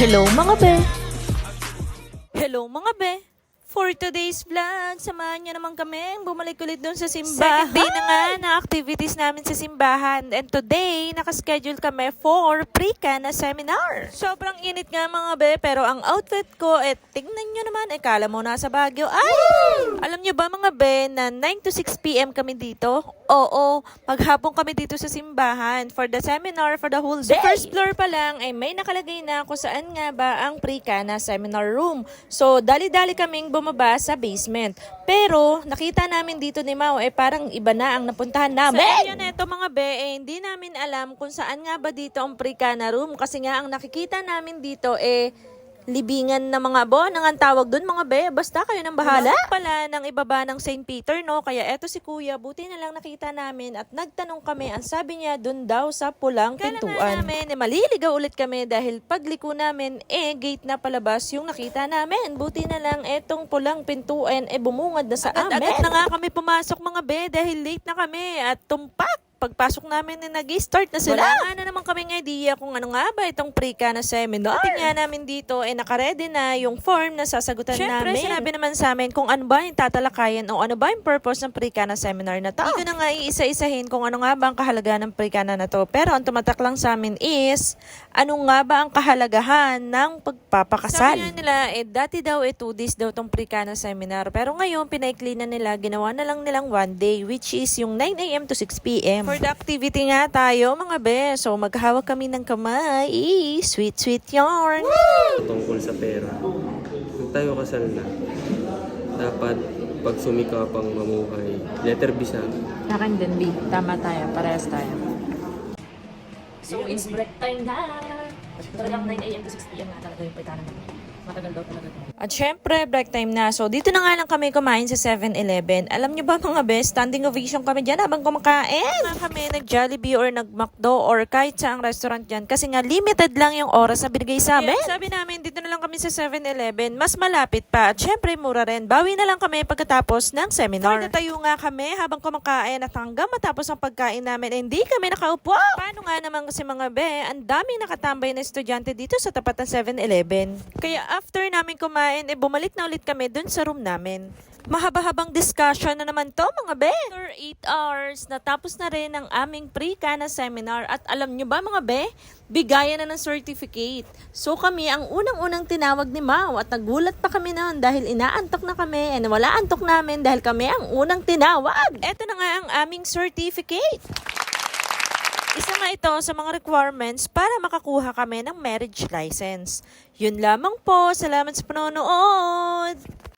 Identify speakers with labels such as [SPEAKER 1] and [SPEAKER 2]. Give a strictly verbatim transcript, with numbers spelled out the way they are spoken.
[SPEAKER 1] Hello mga be! Hello mga be! For today's vlog, samahan niyo naman kami bumalik ulit doon sa simbahan. Second day na nga na activities namin sa simbahan. And today, nakaschedule kami for pre-ka na seminar. Sobrang init nga mga be, pero ang outfit ko, eh, tingnan nyo naman, eh, kala mo nasa Baguio. Ay! Alam nyo ba mga be, na nine to six p m kami dito? Oo, maghapon kami dito sa simbahan for the seminar for the whole day. Sa first floor pa lang, ay may nakalagay na kung saan nga ba ang pre-ka na seminar room. So, dali-dali kaming bumaba sa basement. Pero, nakita namin dito ni Mau, eh parang iba na ang napuntahan namin. Sa inyo neto mga be, eh, hindi namin alam kung saan nga ba dito ang pre-ka na room. Kasi nga, ang nakikita namin dito, eh, libingan na mga bon, ang tawag dun mga be, basta kayo nang bahala. Ano pala ng ibaba ng Saint Peter, no? Kaya eto si kuya, buti na lang nakita namin at nagtanong kami, ang sabi niya dun daw sa pulang pintuan. Kala namin, eh, maliligaw ulit kami dahil pagliko namin, eh, gate na palabas yung nakita namin. Buti na lang etong pulang pintuan, eh, bumungad na sa amin. Agad na nga kami pumasok mga be dahil late na kami at tumpak. Pagpasok namin, na nag-start na sila. Wala nga na naman kaming idea kung ano nga ba itong pre-ka na seminar. Tingnan namin dito, eh nakaredy na yung form na sasagutan Siyempre, namin. Siyempre, sinabi naman sa amin kung ano ba yung tatalakayan o ano ba yung purpose ng pre-ka na seminar na to. Hindi ko na nga iisa-isahin kung ano nga ba ang kahalagahan ng pre-ka na na to. Pero ang tumatak lang sa amin is, ano nga ba ang kahalagahan ng pagpapakasal. Sabi nga nila, eh dati daw, eh two days daw itong pre-ka na seminar. Pero ngayon, pinaikli na nila, ginawa na lang nilang one day, which is yung nine a m to six p m For the activity nga tayo mga be. So maghawak kami ng kamay. Eee, sweet sweet yarn.
[SPEAKER 2] Tungkol sa pera. Kung tayo kasal na, dapat pag sumikapang mamuhay, letter B siya.
[SPEAKER 3] Akin din, B. Tama tayo. Parehas tayo.
[SPEAKER 1] So it's break time na. Talagang nine a m to six p m na talaga yung pagkanan namin. Matagal daw talaga. At syempre, break time na. So, dito na nga lang kami kumain sa seven eleven. Alam nyo ba mga best, standing ovation kami dyan habang kumakain. Na kami nag-Jollibee or nag-McDo or kahit sa ang restaurant dyan. Kasi nga, limited lang yung oras na binigay sa amin. Yeah, sabi namin, dito na lang kami sa seven eleven. Mas malapit pa. At syempre, mura rin. Bawi na lang kami pagkatapos ng seminar. Natayo nga kami habang kumakain at hanggang matapos ang pagkain namin, hindi kami nakaupo. Paano nga naman kasi mga be, ang daming nakatambay na estudyante dito sa tapat ng seven eleven. Kaya after namin kumain, eh bumalik na ulit kami dun sa room namin. Mahaba-habang discussion na naman to mga be. After eight hours, natapos na rin ang aming pre-ka na seminar. At alam nyo ba mga be, bigayan na ng certificate. So kami ang unang-unang tinawag ni Mau at nagulat pa kami noon dahil inaantok na kami and wala antok namin dahil kami ang unang tinawag. Eto na nga ang aming certificate. Isa nga ito sa mga requirements para makakuha kami ng marriage license. Yun lamang po. Salamat sa panonood!